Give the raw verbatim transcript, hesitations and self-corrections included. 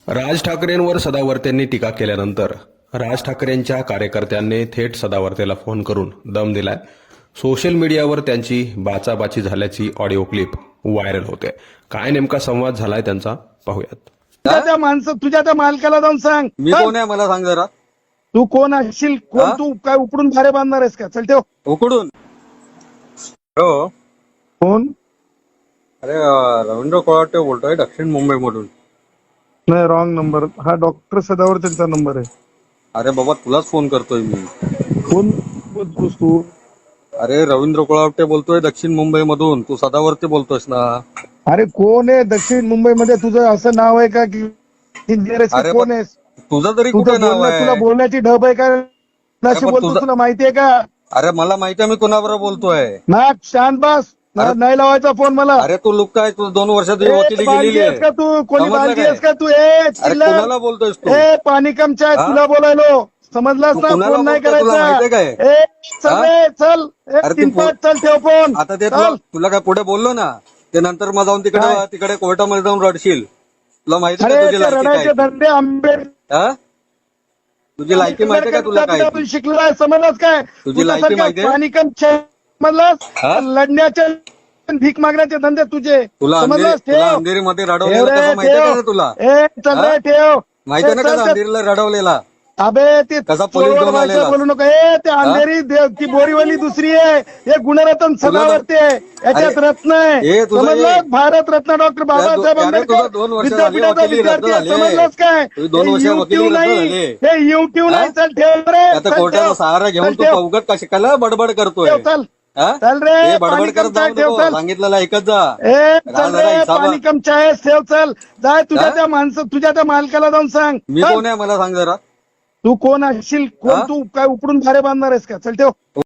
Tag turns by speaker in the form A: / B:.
A: राज ठाकरेंवर सदावर्तेंनी टीका केल्यानंतर राज ठाकरेंच्या कार्यकर्त्यांनी थेट सदावर्तेला फोन करून दम दिलाय. सोशल मीडियावर त्यांची बाचाबाची झाल्याची ऑडिओ क्लिप व्हायरल होते. काय नेमका संवाद झालाय त्यांचा पाहूयात.
B: तुझ्या त्या माणसं तुझ्या त्या मालकाला जाऊन सांग
C: मी कोण आहे मला सांग जरा.
B: तू कोण असशील, कोण
C: हा?
B: तू काय उपडून भारे बांधणार आहेस का? चल ठेव
C: उकडून. हो
B: फोन.
C: अरे अं, रवींद्र कोळाटे बोलतोय दक्षिण मुंबई मधून.
B: नाही, रॉंग नंबर. हा डॉक्टर सदावर त्यांचा नंबर आहे.
C: अरे बाबा तुलाच फोन करतोय मी.
B: कोण बोलतोस तू?
C: अरे रवींद्र कोळाटे बोलतोय दक्षिण मुंबई मधून. तू सदावरती बोलतोयस ना.
B: अरे कोण आहे दक्षिण मुंबईमध्ये? तुझं असं नाव आहे का की इंजिनियर आहेस?
C: अरे
B: का? कोण
C: पण
B: आहेस?
C: तुझं तरी कुठे
B: तुझं
C: नाव
B: बोलणं, तुला
C: आहे?
B: बोलण्याची ढब आहे का? नाशी
C: पण
B: बोलतो
C: तुझं-
B: तुला माहितीये का?
C: अरे मला माहिती आहे मी कोणाबरोबर बोलतोय.
B: ना शांत बस. ना-
C: अरे-
B: नाही लावायचा फोन मला.
C: अरे तू लुक काय तू दोन वर्ष तुझी
B: ए,
C: वकिली
B: बांधली
C: गेलेली
B: आहेस का
C: आहे.
B: तू? कोणी
C: समजलं
B: बांधली
C: काय?
B: आहेस का तू? ए
C: अरे
B: चिल्लर.
C: कुणाला बोलतोयस तू?
B: ए पाणी कमच्या
C: हा?
B: तुला बोलायलो. समजलास
C: तू
B: ना?
C: कुणाला
B: फोन नाही
C: बोलतोय? तुला माहितीये
B: करायचा.
C: काय?
B: ए चल
C: हा?
B: रे, चल.
C: अरे
B: एक
C: तू
B: तीन
C: फो-
B: पाच चल ठेव फोन.
C: आता ते तुला
B: चल.
C: तुला काय पुढे बोललो ना ते नंतर मग जाऊन तिकडे
B: काय?
C: तिकडे कोर्टामध्ये जाऊन रडशील. तुला माहिती
B: अरे
C: का तुझी
B: ते
C: लायकी
B: रडायचे
C: काय?
B: धंदे आंबेड
C: हा? तुझी लायकी माहितीये का तुला काय?
B: आपण शिकलोय. समजलास काय?
C: तुझी लायकी
B: तुझ्यासारखा
C: माहितीये?
B: पाणी कम समजलास?
C: हा?
B: लढण्याचे भीक मागण्याचे धंदे तुझे.
C: तुला
B: समजलास?
C: अंधेरी तुला
B: ठेव.
C: अंधेरीमध्ये
B: ठेव
C: रडवलेलं
B: रे,
C: कसं माहितीये
B: ठेव.
C: का रे तुला?
B: ए चल
C: हा?
B: रे, ठेव.
C: माहितीये ना
B: ए, चल,
C: कसं
B: चल.
C: अंधेरीला रडवलेला?
B: अबे ते
C: कसा पोलीस
B: चोरवड
C: घेऊन
B: भाषा
C: आलेला?
B: बोलू नको. ए ते अंधेरी देव ती बोरीवली दुसरी आहे. हे गुणरत्न सदावर्ते आहे. याच्यात
C: अरे,
B: रत्न आहे.
C: हे तुझं
B: समजलं?
C: हे-
B: भारत रत्न डॉक्टर बाबासाहेब
C: अरे,
B: आंबेडकर
C: तुझं दोन वर्ष झाली
B: विद्यापीठाचा
C: वकिली रद्द
B: विद्यार्थी आहे.
C: झाली.
B: समजलंस काय?
C: तुझी दोन
B: हे
C: वर्ष
B: युट्यूब
C: वकिली रद्द
B: नाही.
C: झाली.
B: हे युट्यूब
C: हा?
B: नाही. चल ठेव रे.
C: आता
B: चल,
C: कोर्टाचा
B: ठेव.
C: सहारा घेऊन
B: चल,
C: तू
B: ठेव.
C: अवघड का शिकायला बडबड करतोय?
B: ठेव, चल.
C: हा?
B: चल रे,
C: हे
B: पाणी
C: बडबड करत
B: कम चाय
C: जाऊ
B: ठेव,
C: नको.
B: चल.
C: सांगितलेलं ऐकत जा.
B: ए
C: राहा
B: चल
C: जरा
B: रे,
C: हिसाबात.
B: पाणी कम चाय ठेव, चल. जाय तुझ्या
C: हा?
B: त्या माणसं तुझ्या त्या मालकाला जाऊन सांग.
C: मी
B: चल.
C: कोण आहे मला सांग जरा.
B: तू कोण असशील, कोण
C: हा?
B: तू काय उपडून भारे बांधणार आहेस का? चल ठेव.